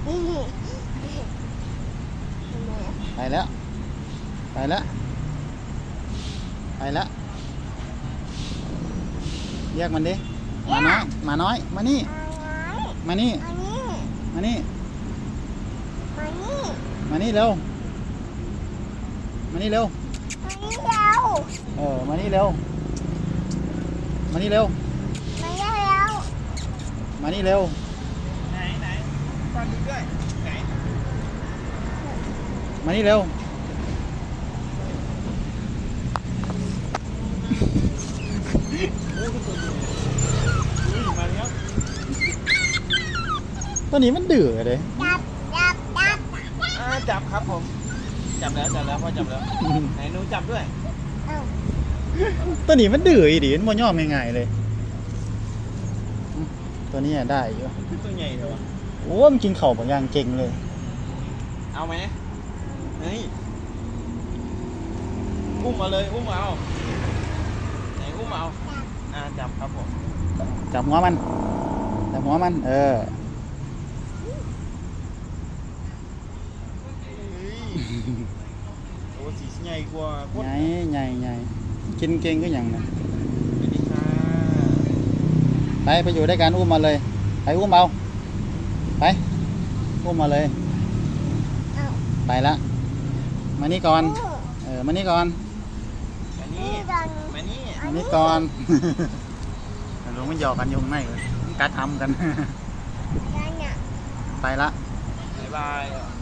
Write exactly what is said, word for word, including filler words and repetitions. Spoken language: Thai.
ไปแล้วไปแล้วไปแล้วเรียกมันดิมาน้อยมาน้อยมานี่มานี่มานี่มานี่เร็วมานี่เร็วเออมานี่เร็วมานี่เร็วมานี่เร็วไหนไหนฟังดูด้วยไหนมานี่เร็วมาแล้วตัวนี้มันดื้อเลยอ่าจับครับผมจับแล้วจับแล้วพ่อจับแล้วไหนหนูจับด้วยตัวนี้มันดื้ออีดิมันบ่ยอมง่ายๆเลยตัวนี้ได้อยู่ตัวใหญ่เลยวะโอ้มันกินเข่าบางอย่างเก่งเลยเอาไหมเฮ้ยอุ้มมาเลยอุ้มเอาไหนอุ้มเอาอ่าจับครับผมจับหัวมันจับหัวมันเออโอ้สีใหญ่กว่าใหญ่ใหญ่ใหญ่กินเก่งก็อย่างนั้นไปไปอยู่ด้วยกันอุ้มมาเลยไปอุ้มเอาไปอุ้มมาเลยไปละมานี่ก่อนเออมานี่ก่อนมานี่มานี่มานี่ก่อนลุงมันหยอกกันยุงไม่เลยกัดทำกันไปละบ๊ายบาย